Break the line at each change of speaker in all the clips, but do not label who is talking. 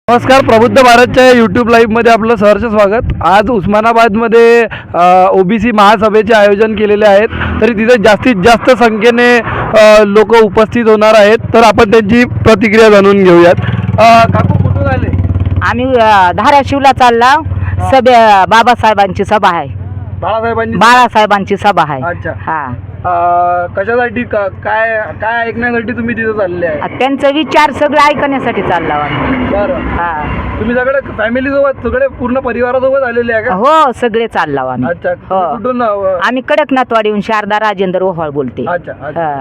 नमस्कार, प्रबुद्ध भारतच्या यूट्यूब लाईव्हमध्ये आपलं सहर्ष स्वागत. आज उस्मानाबादमध्ये ओबीसी महासभेचे आयोजन केलेले आहेत, तरी तिथे जास्तीत जास्त संख्येने लोक उपस्थित होणार आहेत. तर आपण त्यांची प्रतिक्रिया जाणून घेऊयात. काकू कुठून आले?
आम्ही धाराशिवला चालला. बाबासाहेबांची सभा आहे. बाळासाहेबांची सभा आहे.
अच्छा.
हा.
कशासाठी काय काय ऐकण्यासाठी तुम्ही तिथे चालले आहे?
त्यांचा विचार सगळं ऐकण्यासाठी चालला आम्ही.
बरं.
हा.
तुम्ही सगळे फॅमिली सोबत, सगळे पूर्ण परिवारासोबत आलेले आहे का?
हो, सगळे चालला आम्ही.
अच्छा.
हो.
कुठून?
आम्ही कडकनाथवाडीहून शारदा राजेंद्र ओहाळ बोलते.
अच्छा.
हा.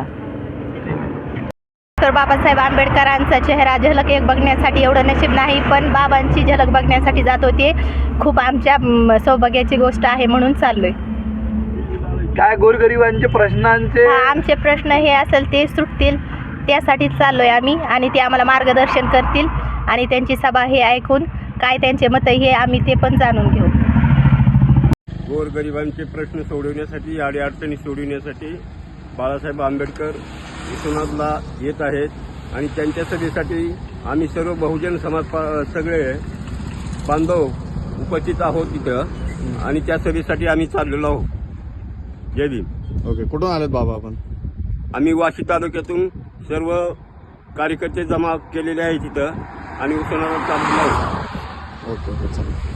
तर बाबासाहेब आंबेडकरांचा चेहरा झलक एक बघण्यासाठी एवढं नशीब नाही, पण बाबांची झलक बघण्यासाठी जात होते. खूप आमच्या सौभाग्याची गोष्ट आहे, म्हणून चाललोय.
काय गोरगरिबांचे प्रश्नांचे
आमचे प्रश्न हे असेल ते सुटतील, त्यासाठीच चाललोय आम्ही. आणि ते आम्हाला मार्गदर्शन करतील आणि त्यांची सभा हे ऐकून काय त्यांचे मत हे आम्ही ते पण जाणून घेऊ.
गोरगरिबांचे प्रश्न सोडवण्यासाठी, अडीअडचणी सोडवण्यासाठी बाळासाहेब आंबेडकर उस्मानाबादला येत आहेत आणि त्यांच्या सभेसाठी आम्ही सर्व बहुजन समाज सगळे बांधव उपस्थित आहोत तिथं आणि त्या सभेसाठी आम्ही चाललेलो आहोत. जय भीम.
ओके, कुठून आलेत बाबा आपण?
आम्ही वाशी तालुक्यातून सर्व कार्यकर्ते जमा केलेले आहेत तिथं आणि उस्मानाबाद चाललेलो आहोत.
ओके, चालेल.